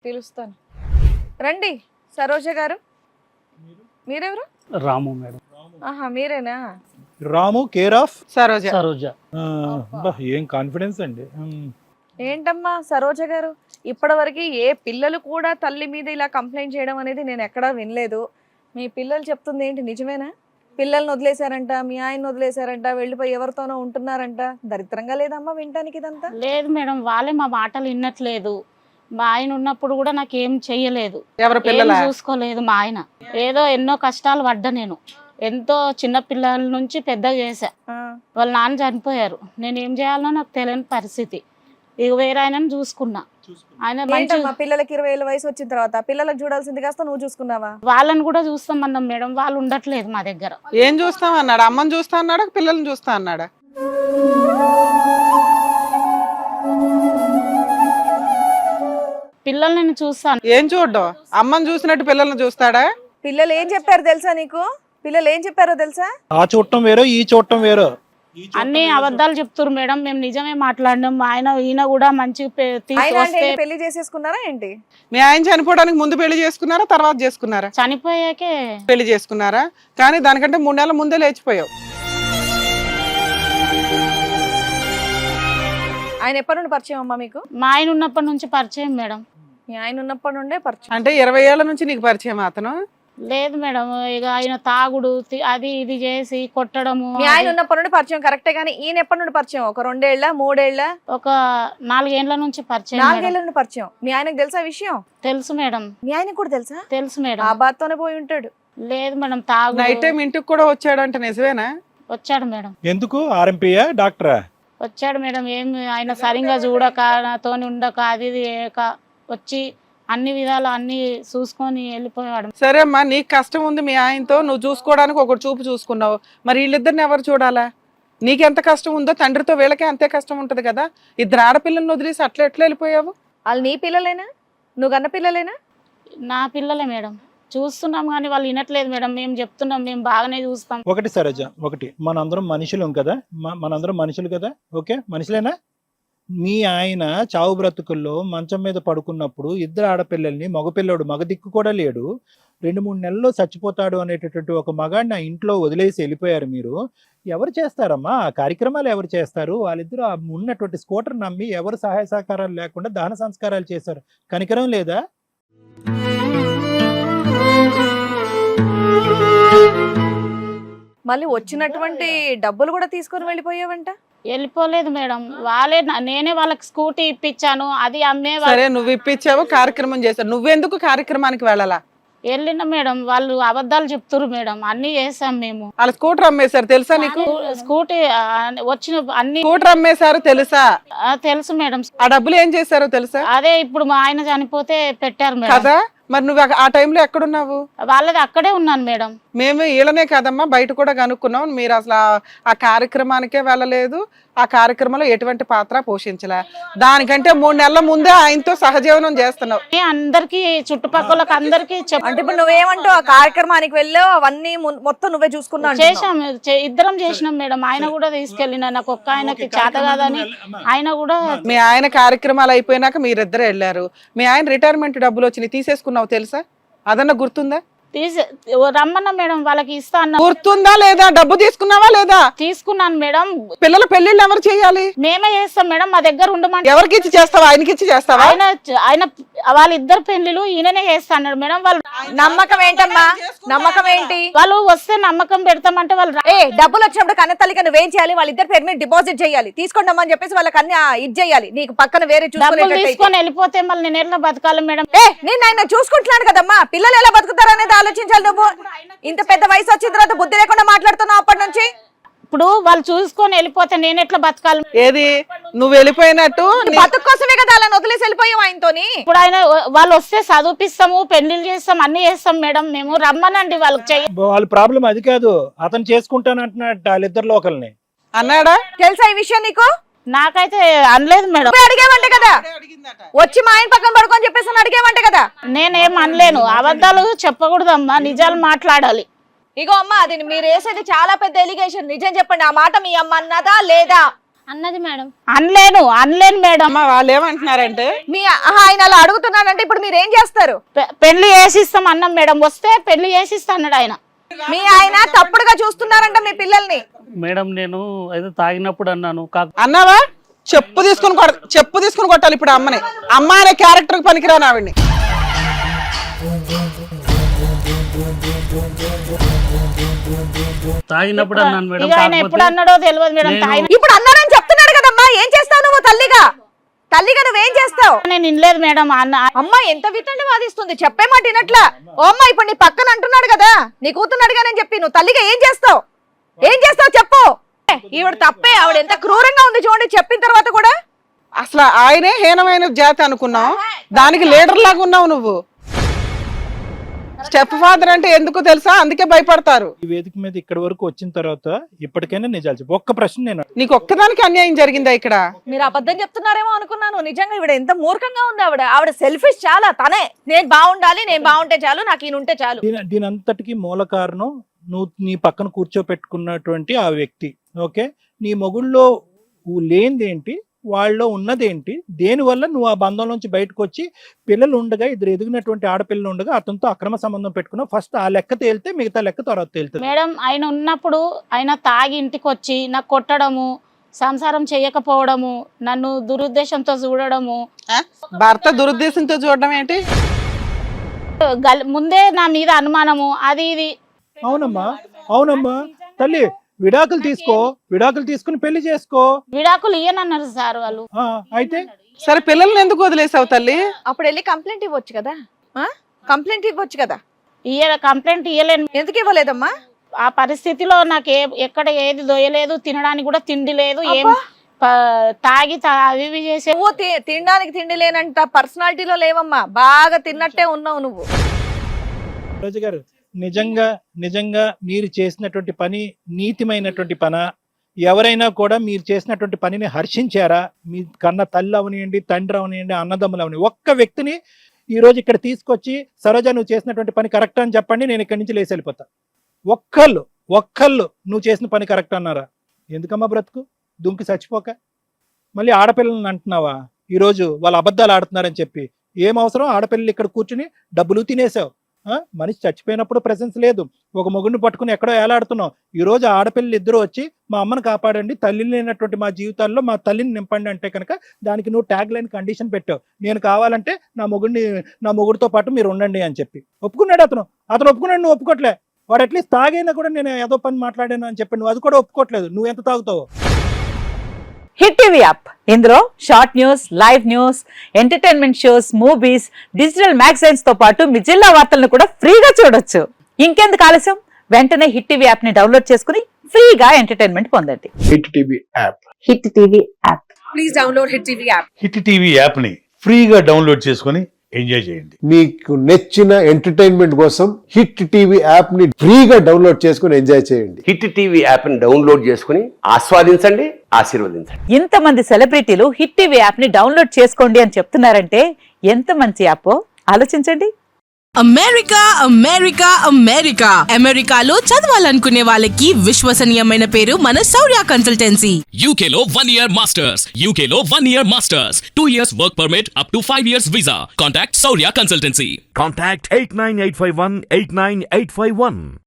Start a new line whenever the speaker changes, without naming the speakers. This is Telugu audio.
పిలుస్తాను. రండి సరోజ గారు. మీరెవరు?
రాము మేడం.
ఆహా మీరేనా?
Ramu care of
Saroja.
సరోజ.
ఏం కాన్ఫిడెన్స్ అండి.
ఏంటమ్మా సరోజ గారు, ఇప్పటివరకు ఏ పిల్లలు కూడా తల్లి మీద ఇలా కంప్లైంట్ చేయడం అనేది నేను ఎక్కడా వినలేదు. మీ పిల్లలు చెప్తుంది ఏంటి, నిజమేనా? పిల్లల్ని వదిలేశారంట, మీ ఆయన వదిలేశారంట, వెళ్ళిపోయి ఎవరితోనో ఉంటున్నారంట. దరిద్రంగా లేదమ్మా వినటానికి ఇదంతా?
లేదు మేడం, వాళ్ళే మా మాటలు వినట్లేదు. మా ఆయన ఉన్నప్పుడు కూడా నాకు ఏం చెయ్యలేదు,
ఎవరి పిల్లల
చూసుకోలేదు మా ఆయన. ఏదో ఎన్నో కష్టాలు పడ్డా నేను, ఎంతో చిన్న పిల్లల నుంచి పెద్దగా చేశా. వాళ్ళ నాన్న చనిపోయారు, నేను ఏం చేయాలో నాకు తెలియని పరిస్థితి. ఇక వేరే ఆయనను చూసుకున్నా. ఆయన మంచి
పిల్లలకి 20 ఏళ్ళ వయసు వచ్చిన తర్వాత పిల్లలకు చూడాల్సింది కాస్త నువ్వు చూసుకున్నావా?
వాళ్ళని కూడా చూస్తామన్నాం మేడం, వాళ్ళు ఉండట్లేదు మా దగ్గర.
ఏం చూస్తాం అన్నాడు? అమ్మని చూస్తా అన్నాడా, పిల్లల్ని చూస్తా అన్నాడా?
పిల్లల్ని నేను చూస్తాను.
ఏం చూడ్డం? అమ్మని చూసినట్టు పిల్లల్ని చూస్తాడా?
పిల్లలు ఏం చెప్పారు తెలుసా నీకు? పిల్లలు ఏం చెప్పారో తెలుసా?
ఆ చూడటం వేరో ఈ చూడటం వేరో.
అన్ని అబద్ధాలు చెప్తున్నారు మేడం. మేము నిజమే మాట్లాడినాం. ఈయన కూడా మంచి
పెళ్లి చేసేసుకున్నారా ఏంటి?
మీ ఆయన చనిపోవడానికి ముందు పెళ్లి చేసుకున్నారా, తర్వాత చేసుకున్నారా?
చనిపోయాకే
పెళ్లి చేసుకున్నారా, కానీ దానికంటే 3 నెలల ముందే లేచిపోయావు.
ఆయన ఎప్పటి నుండి పరిచయం అమ్మా మీకు?
మా ఆయన ఉన్నప్పటి నుంచి పరిచయం మేడం.
మీ ఆయన ఉన్నప్పటి నుండే పరిచయం
అంటే 20 ఏళ్ల నుంచి నీకు పరిచయం అతను?
లేదు మేడం, ఇక ఆయన తాగుడు అది ఇది చేసి కొట్టడము.
మీ ఆయన ఉన్నప్పటి నుండి పరిచయం కరెక్టే, కానీ ఈయన ఎప్పటి నుండి పరిచయం? ఒక 2 ఏళ్ళ 3 ఏళ్ళ?
ఒక 4 ఏళ్ల నుంచి పరిచయం.
4 ఏళ్ల నుండి పరిచయం. మీ ఆయనకు తెలుసా విషయం?
తెలుసు మేడం.
మీ ఆయనకు కూడా తెలుసా?
తెలుసు మేడం.
ఆ బాత్తోనే పోయి ఉంటాడు.
లేదు మేడం, తాగు
నైట్ టైం ఇంటికి కూడా వచ్చాడంట, నిజమేనా?
వచ్చాడు మేడం.
ఎందుకు? ఆర్ఎంపీయా డాక్టరా?
వచ్చాడు మేడం. ఏం ఆయన సరిగా చూడక, నాతోని ఉండక, అది ఇది చేయక వచ్చి అన్ని విధాలు అన్ని చూసుకొని వెళ్ళిపోయాడు.
సరే అమ్మా, నీకు కష్టం ఉంది మీ ఆయనతో, నువ్వు చూసుకోవడానికి ఒకటి చూపు చూసుకున్నావు. మరి వీళ్ళిద్దరిని ఎవరు చూడాలా? నీకెంత కష్టం ఉందో తండ్రితో వీళ్ళకే అంతే కష్టం ఉంటది కదా. 2 ఆడపిల్లలను వదిలేసి అట్లా ఎట్లా వెళ్ళిపోయావు?
వాళ్ళు నీ పిల్లలేనా? నువ్వు కన్న పిల్లలేనా?
నా పిల్లలే మేడం. చూస్తున్నాం కానీ వాళ్ళు వినట్లేదు మేడం. మేము చెప్తున్నాం, మేము బాగానే చూస్తాం.
ఒకటి సరోజ, ఒకటి మనందరం మనుషులం కదా, మనందరం మనుషులు కదా, ఓకే మనుషులేనా? మీ ఆయన చావు బ్రతుకుల్లో మంచం మీద పడుకున్నప్పుడు 2 ఆడపిల్లల్ని, మగపిల్లడు మగ దిక్కు కూడా లేడు, 2-3 నెలల్లో చచ్చిపోతాడు అనేటటువంటి ఒక మగాడిని ఆ ఇంట్లో వదిలేసి వెళ్ళిపోయారు మీరు. ఎవరు చేస్తారమ్మా ఆ కార్యక్రమాలు? ఎవరు చేస్తారు? వాళ్ళిద్దరూ ఉన్నటువంటి స్కూటర్ నమ్మి ఎవరు సహాయ సహకారాలు లేకుండా దహన సంస్కారాలు చేశారు. కనికరం లేదా?
మళ్ళీ వచ్చినటువంటి డబ్బులు కూడా తీసుకొని వెళ్ళిపోయావంట?
వెళ్ళిపోలేదు మేడం, వాళ్ళే నేనే వాళ్ళకి స్కూటీ ఇప్పించాను, అది అమ్మే.
సరే, నువ్వు ఇప్పించావు, కార్యక్రమం చేశావు, నువ్వెందుకు కార్యక్రమానికి వెళ్ళాలా?
వెళ్ళిన మేడం, వాళ్ళు అబద్ధాలు చెప్తున్నారు మేడం. అన్ని చేసాం మేము.
వాళ్ళ స్కూటర్ అమ్మేశారు తెలుసా నీకు?
స్కూటీ వచ్చిన అన్ని
స్కూటర్ అమ్మేశారు తెలుసా?
తెలుసు మేడం.
ఆ డబ్బులు ఏం చేశారో తెలుసా?
అదే ఇప్పుడు మా ఆయన చనిపోతే పెట్టారు మేడం.
కదా, మరి నువ్వు ఆ టైంలో ఎక్కడున్నావు?
వాళ్ళది అక్కడే ఉన్నాను మేడం.
మేము వీళ్ళనే కాదమ్మా, బయట కూడా కనుక్కున్నాం. మీరు అసలు ఆ కార్యక్రమానికే వెళ్ళలేదు, ఆ కార్యక్రమంలో ఎటువంటి పాత్ర పోషించలే. దానికంటే 3 నెలల ముందే ఆయనతో సహజీవనం చేస్తున్నావు.
అందరికి చుట్టుపక్కల అందరికి
అంటే ఇప్పుడు నువ్వేమంటావు? ఆ కార్యక్రమానికి వెళ్ళావు, అవన్నీ మొత్తం నువ్వే చూసుకున్నావు?
చేసాం, ఇద్దరం చేసినాం మేడం. ఆయన కూడా తీసుకెళ్ళిన, నాకు ఒక్క ఆయనకి చేత కాదని ఆయన కూడా.
మీ ఆయన కార్యక్రమాలు అయిపోయినాక మీరిద్దరు వెళ్ళారు. మీ ఆయన రిటైర్మెంట్ డబ్బులు వచ్చినాయి, తీసేసుకున్నావు తెలుసా? అదన్నా గుర్తుందా?
రమ్మన్నా మేడం, వాళ్ళకి ఇస్తా అన్న.
గుర్తుందా లేదా? డబ్బు తీసుకున్నావా లేదా?
తీసుకున్నాను మేడం.
పిల్లల పెళ్లిళ్ళు ఎవరు చేయాలి?
మేమే చేస్తాం మేడం, మా దగ్గర ఉండమంటే.
ఎవరికి ఇచ్చి చేస్తావా? ఆయనకి ఇచ్చి చేస్తావా?
ఆయన వాళ్ళిద్దరు పెళ్లిలు ఈయననే చేస్తా అన్నాడు మేడం. వాళ్ళు
నమ్మకం ఏంటమ్మా? నమ్మకం ఏంటి?
వాళ్ళు వస్తే నమ్మకం పెడతామంటే వాళ్ళు
డబ్బులు వచ్చినప్పుడు కన్న తల్లికి నువ్వేం చేయాలి? వాళ్ళిద్దరు పేరు మీద డిపాజిట్ చేయాలి, తీసుకోండి అని చెప్పేసి వాళ్ళకి అన్ని ఇది చేయాలి. నీకు పక్కన వేరే
తీసుకొని వెళ్ళిపోతే మళ్ళీ నేను ఎలా బతకాలి మేడం?
నేను ఆయన చూసుకుంటున్నాను కదమ్మా, పిల్లలు ఎలా బతుకుతారు అనేది ఆలోచించాలి. నువ్వు ఇంత పెద్ద వయసు వచ్చిన తర్వాత బుద్ధి లేకుండా మాట్లాడుతున్నావు అప్పటి నుంచి.
ఇప్పుడు వాళ్ళు చూసుకొని వెళ్ళిపోతే నేను ఎట్లా బతకాలి?
ఏది నువ్వు వెళ్ళిపోయినట్టు
బతుకు కోసమే కదా అలా వదిలేసి వెళ్ళిపోయావు ఆయనతోని.
ఇప్పుడు ఆయన వాళ్ళు వస్తే చదివిపిస్తాము, పెళ్లిళ్ళు చేస్తాం, అన్ని చేస్తాం మేడం. మేము రమ్మనండి, వాళ్ళకి
వాళ్ళ ప్రాబ్లం అది కాదు, అతను చేసుకుంటాను అంటున్నట్టు వాళ్ళిద్దరిలో ఒకరిని
అన్నాడా?
తెలుసా ఈ విషయం నీకు?
నాకైతే అనలేదు మేడం.
అడిగేవంట కదా, వచ్చి మా ఆయన పక్కన పడుకొని చెప్పేసి అడిగేవంట కదా.
నేనేం అనలేను, అబద్ధాలు చెప్పకూడదమ్మా, నిజాలు మాట్లాడాలి.
ఇగో అమ్మా, అది మీరు వేసేది చాలా పెద్ద ఎలిగేషన్. నిజం చెప్పండి, ఆ మాట మీ అమ్మ అన్నదా లేదా?
అన్నది మేడం.
అనలేను మేడం.
అమ్మ వాళ్ళు ఏమంటున్నారంటే
మీ ఆయన అలా అడుగుతున్నాడంటే ఇప్పుడు మీరు ఏం చేస్తారు?
పెళ్లి చేసిస్తాం అన్నాం మేడం, వస్తే పెళ్లి చేసిస్తా అన్నాడు ఆయన.
మీ ఆయన తప్పుడుగా చూస్తున్నారంట మీ పిల్లల్ని.
మేడం నేను అయితే తాగినప్పుడు అన్నాను
అన్నావా? చెప్పు తీసుకుని కొట్టాలి ఇప్పుడు అమ్మని. అమ్మ అనే క్యారెక్టర్ పనికిరాను ఆవిడ్ని.
తాగినప్పుడు అన్నాను మేడం.
ఇక ఆయన ఎప్పుడు అన్నాడో తెలియదు మేడం.
ఇప్పుడు అన్నారని చెప్తున్నాడు కదమ్మా, ఏం చేస్తావు నువ్వు? తల్లిగా నువ్వేం చేస్తావు?
నేను వినలేదు మేడం.
అమ్మ ఎంత వితండి వాదిస్తుంది, చెప్పే మాట వినట్లా. ఓ అమ్మ ఇప్పుడు నీ పక్కన అంటున్నాడు కదా, నీ కూతున్నాడుగా నేను చెప్పి, నువ్వు తల్లిగా ఏం చేస్తావు చెప్పు. ఈవిడ తప్పే, ఆవిడ ఎంత క్రూరంగా ఉంది చూడండి చెప్పిన తర్వాత కూడా.
అసలు ఆయనే హీనమైన జాతి అనుకున్నావు, దానికి లీడర్ లాగా ఉన్నావు నువ్వు. స్టెప్ ఫాదర్ అంటే ఎందుకు తెలుసా? అందుకే భయపడతారు.
ఈ వేదిక మీద ఇక్కడ వరకు వచ్చిన తర్వాత ఇప్పటికైనా నిజాలు చెప్పు. ఒక్క ప్రశ్న నేను
నీకు ఒక్కదానికి అన్యాయం జరిగిందా ఇక్కడ?
మీరు అబద్ధం చెప్తున్నారేమో అనుకున్నాను. నిజంగా ఈవిడ ఎంత మూర్ఖంగా ఉంది. ఆవిడ సెల్ఫిష్ చాలా. తనే నేను బాగుండాలి, నేను బాగుంటే చాలు, నాకు ఈయన ఉంటే చాలు.
దీని అంతటికి మూల కారణం నువ్వు నీ పక్కన కూర్చోపెట్టుకున్నటువంటి ఆ వ్యక్తి. ఓకే, నీ మొగుళ్ళో లేనిదేంటి, వాళ్ళలో ఉన్నదేంటి, దేనివల్ల నువ్వు ఆ బంధంలోంచి బయటకు వచ్చి పిల్లలు ఉండగా, ఇద్దరు ఎదిగినటువంటి ఆడపిల్లలు ఉండగా అతనితో అక్రమ సంబంధం పెట్టుకున్నావు. ఫస్ట్ ఆ లెక్క తేలితే మిగతా లెక్క తర్వాత తేలుతుంది.
మేడం ఆయన ఉన్నప్పుడు ఆయన తాగి ఇంటికి వచ్చి నాకు కొట్టడము, సంసారం చేయకపోవడము, నన్ను దురుద్దేశంతో చూడడము.
భర్త దురుద్దేశంతో చూడడం ఏంటి?
ముందే నా మీద అనుమానము, అది ఇది.
అవునమ్మా తల్లి, విడాకులు తీసుకుని పెళ్లి చేసుకో.
విడాకులు ఇయ్యనన్నారు సార్ వాళ్ళు.
అయితే
సరే పిల్లల్ని ఎందుకు వదిలేసావు తల్లి?
అప్పుడు వెళ్ళి కంప్లైంట్ ఇవ్వచ్చు కదా.
కంప్లైంట్ ఇయ్యలేను.
ఎందుకు ఇవ్వలేదమ్మా?
ఆ పరిస్థితిలో నాకు ఎక్కడ ఏది దొయ్యలేదు, తినడానికి కూడా తిండి లేదు, ఏం తాగి అవి ఇవి చేసే.
నువ్వు తినడానికి తిండి లేనంట పర్సనాలిటీలో లేవమ్మా, బాగా తిన్నట్టే ఉన్నావు నువ్వు.
రోజు గారు, నిజంగా మీరు చేసినటువంటి పని నీతిమైనటువంటి పనా? ఎవరైనా కూడా మీరు చేసినటువంటి పనిని హర్షించారా? మీ కన్న తల్లి అవనియండి, తండ్రి అవనియండి, అన్నదమ్ములు అవని ఒక్క వ్యక్తిని ఈ రోజు ఇక్కడ తీసుకొచ్చి సరోజ నువ్వు చేసినటువంటి పని కరెక్ట్ అని చెప్పండి, నేను ఇక్కడి నుంచి లేచి వెళ్ళిపోతా. ఒక్కళ్ళు నువ్వు చేసిన పని కరెక్ట్ అన్నారా? ఎందుకమ్మా బ్రతుకు దుంకి చచ్చిపోక మళ్ళీ ఆడపిల్లలను అంటున్నావా? ఈరోజు వాళ్ళు అబద్ధాలు ఆడుతున్నారని చెప్పి ఏం అవసరం? ఆడపిల్లలు ఇక్కడ కూర్చుని డబ్బులు తినేసావు. మనిషి చచ్చిపోయినప్పుడు ప్రెసెన్స్ లేదు, ఒక మొగుడిని పట్టుకుని ఎక్కడో ఏలాడుతున్నావు. ఈ రోజు ఆడపిల్లలు ఇద్దరు వచ్చి మా అమ్మను కాపాడండి, తల్లి లేనటువంటి మా జీవితాల్లో మా తల్లిని నింపండి అంటే కనుక దానికి నువ్వు ట్యాగ్ లైన్ కండిషన్ పెట్టావు. నేను కావాలంటే నా మొగుడితో పాటు మీరు ఉండండి అని చెప్పి ఒప్పుకున్నాడు అతను ఒప్పుకున్నాడు, నువ్వు ఒప్పుకోట్లే. వాడు అట్లీస్ట్ తాగైనా కూడా నేను ఏదో పని మాట్లాడాను అని చెప్పి నువ్వు అది కూడా ఒప్పుకోవట్లేదు. నువ్వు ఎంత తాగుతావు?
హిట్ టీవీ యాప్, ఇందులో short news, live news, entertainment shows, movies, digital magazines తో పాటు మీ జిల్లా వార్తలను కూడా ఫ్రీగా చూడొచ్చు. ఇంకెందుకు ఆలస్యం, వెంటనే హిట్ టీవీ యాప్ ని డౌన్లోడ్ చేసుకుని ఫ్రీగా ఎంటర్టైన్మెంట్ పొందండి.
Hit TV app.
Hit TV app.
Please download hit TV app.
Hit TV app ని ఫ్రీగా డౌన్లోడ్ చేసుకుని ఎంజాయ్ చేయండి.
మీకు నచ్చిన ఎంటర్టైన్మెంట్ కోసం హిట్ టీవీ యాప్ ని ఫ్రీగా డౌన్లోడ్ చేసుకుని ఎంజాయ్ చేయండి.
హిట్ టీవీ యాప్ ని డౌన్లోడ్ చేసుకుని ఆస్వాదించండి, ఆశీర్వదించండి.
ఇంతమంది సెలబ్రిటీలు హిట్ టీవీ యాప్ ని డౌన్లోడ్ చేసుకోండి అని చెప్తున్నారంటే ఎంత మంచి యాప్ ఆలోచించండి.
అమెరికాలో చదవాలనుకునే వాళ్ళకి విశ్వసనీయమైన పేరు మన శౌర్య కన్సల్టెన్సీ.
UK లో 1 year masters, UK లో 1 year masters, 2 years work permit up to 5 years visa. Contact Saurya Consultancy.
Contact 89851 89851.